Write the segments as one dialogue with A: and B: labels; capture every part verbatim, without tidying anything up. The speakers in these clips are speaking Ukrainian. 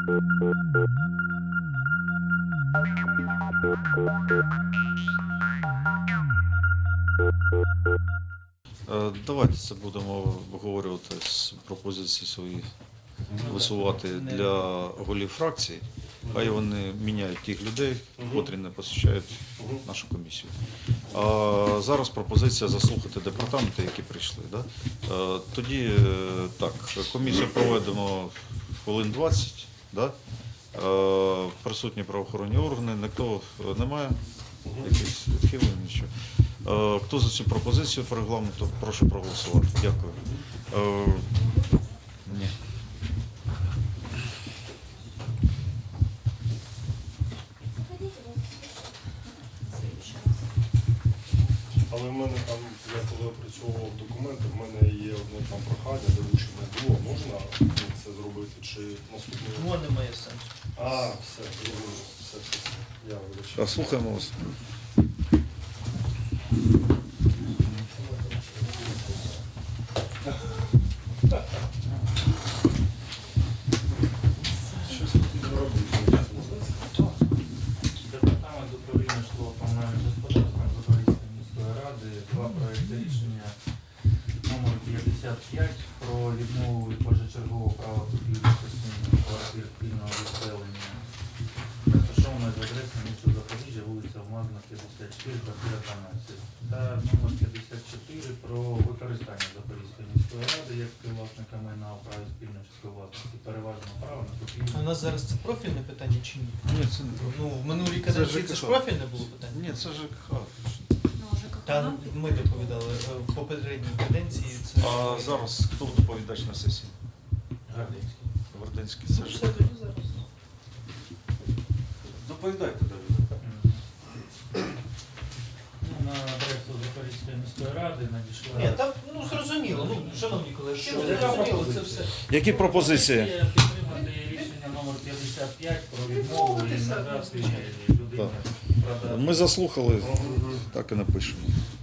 A: Давайте це будемо обговорювати з пропозиції свої висувати для голів фракцій. Хай вони міняють тих людей, котрі не посещають нашу комісію. А зараз пропозиція заслухати департаменти, які прийшли. Да? Тоді так, комісію проведемо хвилин двадцять. Да? Присутні правоохоронні органи, ніхто немає, якісь відхилення, нічого. Хто за цю пропозицію по регламенту, прошу проголосувати. Дякую. Ні.
B: Але в мене там, я коли опрацьовував документи, в мене є одне там прохання, доручення було. Можна це зробити чи наступного?
C: Ну, немає сенсу.
B: А, все, зрозуміло. Все, все, все. Я вибачаю.
A: Слухаємо вас.
D: Департамент управління житлово-комунальним господарством Запорізької міської ради два проекти рішення номер п'ятдесят п'ять про відмову від першочергового права купівлі частини квартир спільного відселення, розташованої за адресою міста Запоріжжя, вулиця Алмазна, п'ятдесят чотири, квартира дванадцять, та номер п'ятдесят чотири про використання Запорізької міської ради як співвласника майна у праві спільної часткової власності переважного права на купівлю.
C: У нас зараз це профільне питання чи ні?
A: Ні, це не
C: Ну, в минулій каденції це ж
A: ЖКХ.
C: профільне було питання?
A: Ні, це ЖКХ.
C: Та ми доповідали в попередній каденції. Це...
A: А зараз хто доповідач на сесії?
D: Гардинський.
A: Гординський.
C: Ну,
A: Це
C: все
A: ж.
C: тоді зараз.
A: Доповідайте далі.
D: Ну, на адресу Запорізької міської ради надійшла.
C: Ні, там, ну, зрозуміло, ну, шановні колеги, що
D: Що,
C: зрозуміло,
D: яка
C: це все.
A: Які пропозиції?
D: Підтримати рішення номер п'ятдесят п'ять про відмову і надати людині продати.
A: Ми заслухали, так і напишемо.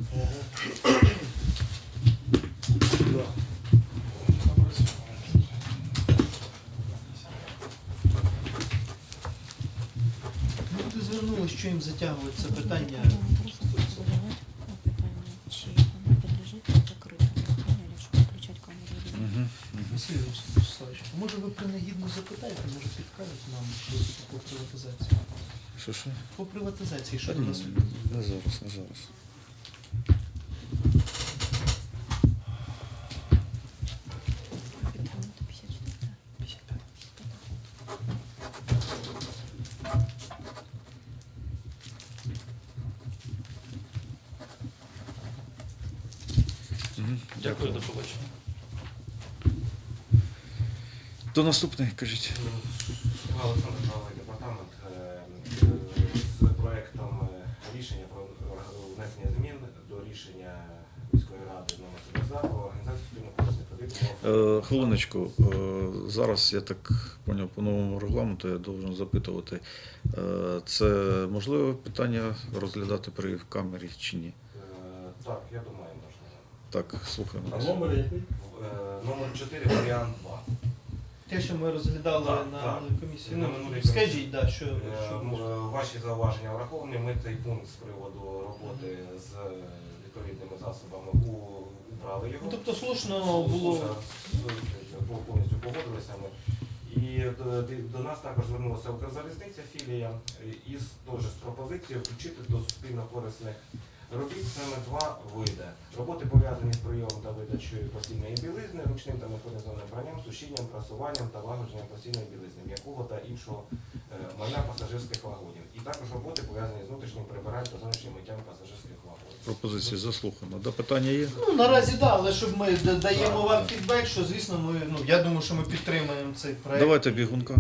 C: Люди звернулися, що їм затягують це питання.
E: Просто задавати питання, чи воно підлежить закритому питанню, якщо включати камеру.
C: Василь Вячеславович, може ви принагідно запитаєте, може підкажуть нам щось по приватизації?
A: Що що?
C: По приватизації, що
A: Та
C: до
A: ні,
C: нас?
A: не зараз, не зараз.
E: Питання п'ятдесят чотири.
C: Дякую, до побачення.
A: До наступної, кажіть.
F: Олександр Павлович, департамент е, з проектом рішення про внесення змін до рішення міської ради номер сімдесят про організацію спільних корисних робіт.
A: Е, Хвилиночку, е, зараз я так поняв по новому регламенту, я должен запитувати, е, це можливе питання розглядати при камері чи ні?
F: Е, Так, я думаю, можна.
A: Так, слухаємо.
B: А номер який?
F: Е, Номер чотири, варіант два.
C: Те, що ми розглядали
F: Так,
C: на
F: так.
C: минулій комісії,
F: На
C: ну,
F: минулій
C: скажіть, да, що,
F: Е,
C: що
F: м, е, Ваші зауваження враховані. Ми цей пункт з приводу роботи з відповідними засобами у- убрали його.
C: Ну, тобто слушно було.
F: Слушно, повністю погодилися ми. І до, до нас також звернулася Укрзалізниця філія із теж з пропозицією включити до суспільно корисних робіт саме два види. Роботи пов'язані з прийомом та видачею постільної білизни, ручним та механізованим пранням, сушінням, прасуванням та лагодженням постільної білизни, м'якого та іншого е, майна пасажирських вагонів. І також роботи пов'язані з внутрішнім прибиранням та зовнішнім миттям пасажирських вагонів.
A: Пропозиції заслухано. Да, питання є?
C: Ну, наразі так, да, але щоб ми да- даємо вам фідбек, що, звісно, ми, ну, я думаю, що ми підтримуємо цей проект.
A: Давайте бігунка.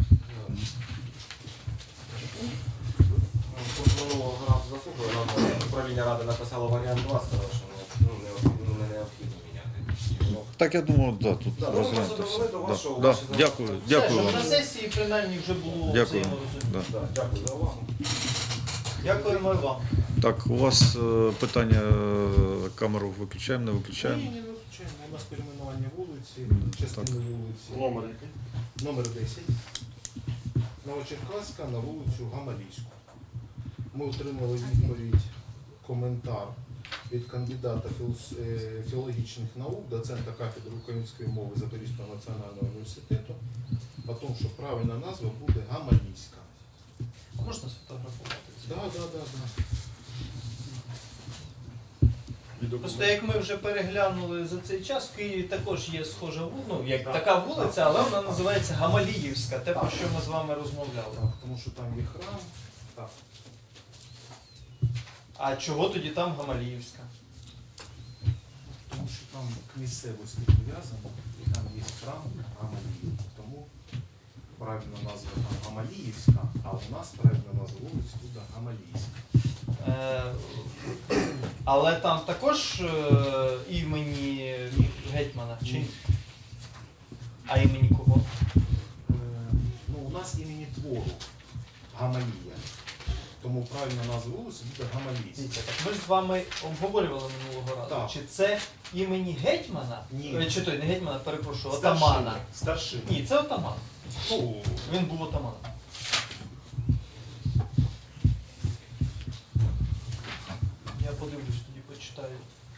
F: Минулого разу заслухали, нам управління ради написало варіант два, сказали, що ну, необхідно, не необхідно міняти.
A: Так, я думаю, да, тут
F: Да, ну, ми
A: розглянути
F: просто
A: все.
F: довели до
A: Да,
F: вашого,
A: да,
F: ваші
A: дякую,
F: зауваження.
C: Все,
A: дякую
C: щоб
A: вам.
C: на сесії принаймні вже було
A: Дякую.
C: взаєморозуміння.
A: Да.
F: Да, дякую за увагу.
C: Дякуємо і вам.
A: Так, у вас е, питання е, камеру виключаємо, не виключаємо?
G: Ні, ні, не виключаємо. У нас перейменування вулиці,
A: М,
G: частини
A: так.
G: вулиці.
B: Номер який?
G: Номер десять. Новочеркаська на вулицю Гамалійську. Ми отримали відповідь, коментар від кандидата філос- е, філологічних наук, доцента кафедри української мови Запорізького національного університету, о тому, що правильна назва буде Гамалійська.
C: А можна сфотографувати це?
G: Так, так, так, так.
C: Просто як ми вже переглянули за цей час, в Києві також є схожа вулиця, ну як така вулиця, але вона називається Гамаліївська, те, про що ми з вами розмовляли.
G: Так, тому що там є храм. Так.
C: А чого тоді там Гамаліївська?
G: Тому що там к місцевості прив'язано, і там є храм Гамалії. Тому правильна назва там Гамаліївська, а у нас правильна назва вулиці буде Гамалійська.
C: Е, але там також е, імені гетьмана, чи?
G: Ні.
C: А імені кого?
G: Е, ну, у нас імені твору Гамалія. Тому правильна назва вулиці буде Гамалійська.
C: Дивіться, так ми ж з вами обговорювали минулого разу.
G: Так.
C: Чи це імені гетьмана?
G: Ні.
C: Е, Чи той не гетьмана, перепрошую, отамана.
G: Старшина.
C: Ні, це отаман.
G: Ну,
C: Він був отаманом. Я подивлюсь, тоді почитаю.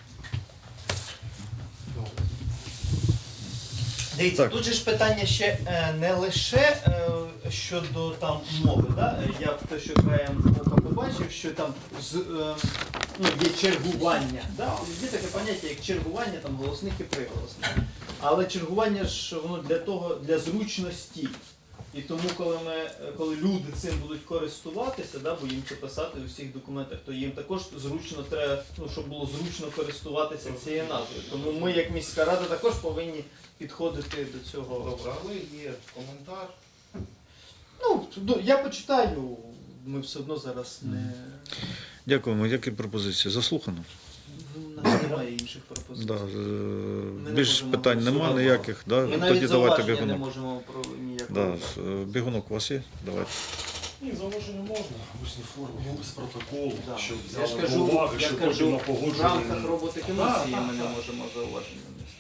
G: добре.
C: Дивіться,
A: Так.
C: тут же ж питання ще е, не лише е, щодо там мови. Да? Е, Я те, що краєм ока побачив, що там з, е, ну, є чергування. Да? Є таке поняття, як чергування там, голосних і приголосних. Але чергування ж воно для того, для зручності. І тому, коли ми, е, коли люди цим будуть користуватися, да, бо їм це писати у всіх документах, то їм також зручно треба, ну, щоб було зручно користуватися цією назвою. Тому ми, як міська рада, також повинні підходити до цього.
G: Добре, але є коментар.
C: Ну, ну, я почитаю, ми все одно зараз не.
A: Дякуємо. Які пропозиції? Заслухано.
C: У нас немає інших пропозицій.
A: Да, е,
C: не
A: більш
C: можемо
A: питань нема
C: голосувати.
A: ніяких. Да?
C: Ми
A: Тоді
C: навіть
A: давайте
C: зауваження не
A: бігунок.
C: можемо про ніякого.
A: Да, е, бігунок у вас є? Давайте.
B: Ні, зауваження можна в усній формі, без протоколу,
C: Да.
B: щоб
C: Я ж
B: взяли
C: кажу,
B: до уваги,
C: я
B: щоб
C: кажу,
B: потім на
C: в
B: погодження.
C: рамках роботи комісії
B: Так,
C: ми не
B: так, так.
C: можемо зауваження внести.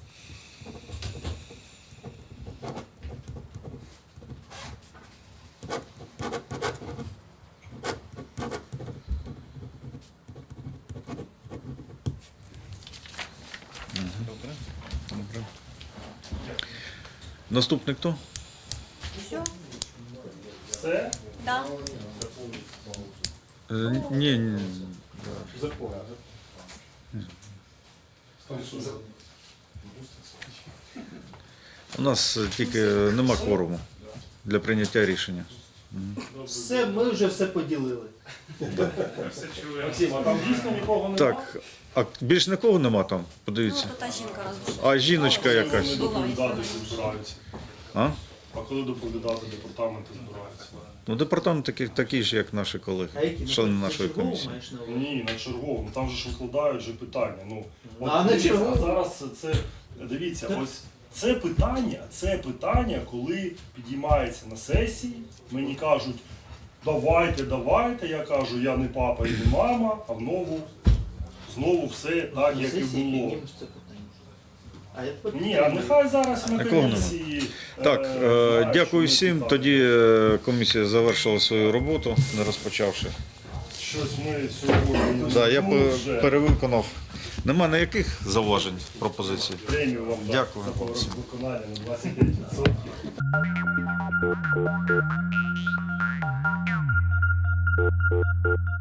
A: Добре. Добре. Наступний хто?
E: Все?
B: Все?
E: Да.
A: Е, Ні, ні.
B: Закон.
A: У нас е, тільки нема кворуму для прийняття рішення.
C: Все, ми вже все поділили.
B: Максим, а там дійсно нікого немає?
A: Так, а більш нікого нема там?
E: Ну,
A: Подивіться.
E: то та жінка розбила.
A: А жіночка
B: Коли
A: якась.
B: вони доповідати збираються?
A: А?
B: А коли доповідати департаменти збираються?
A: Ну, департамент такий, такий ж, як наші колеги,
C: А які
A: члени
C: на
A: нашої
C: чергову
A: комісії.
C: маєш на увазі?
B: Ні, на черговому. Там же ж викладають же питання. Ну, от
C: А на
B: дивіться,
C: черговому?
B: зараз це, дивіться, ось це питання, це питання, коли підіймається на сесії, мені кажуть, давайте, давайте, я кажу, я не папа і не мама, а знову, знову все так,
C: На
B: як і
C: сесії
B: було.
C: піднімеш це питання. А я тепер
B: Ні, а нехай зараз на
A: Такого нема.
B: комісії.
A: Так,
B: е,
A: е,
B: знають,
A: дякую
B: що ми
A: всім.
B: питання.
A: Тоді е, комісія завершила свою роботу, не розпочавши.
B: Щось ми сьогодні
A: Да, я
B: ну,
A: пе-
B: вже
A: перевиконав. Нема ніяких зауважень, пропозицій.
B: премію вам дати
A: Дякую
B: за
A: вам всім.
B: виконання на двадцять п'ять відсотків.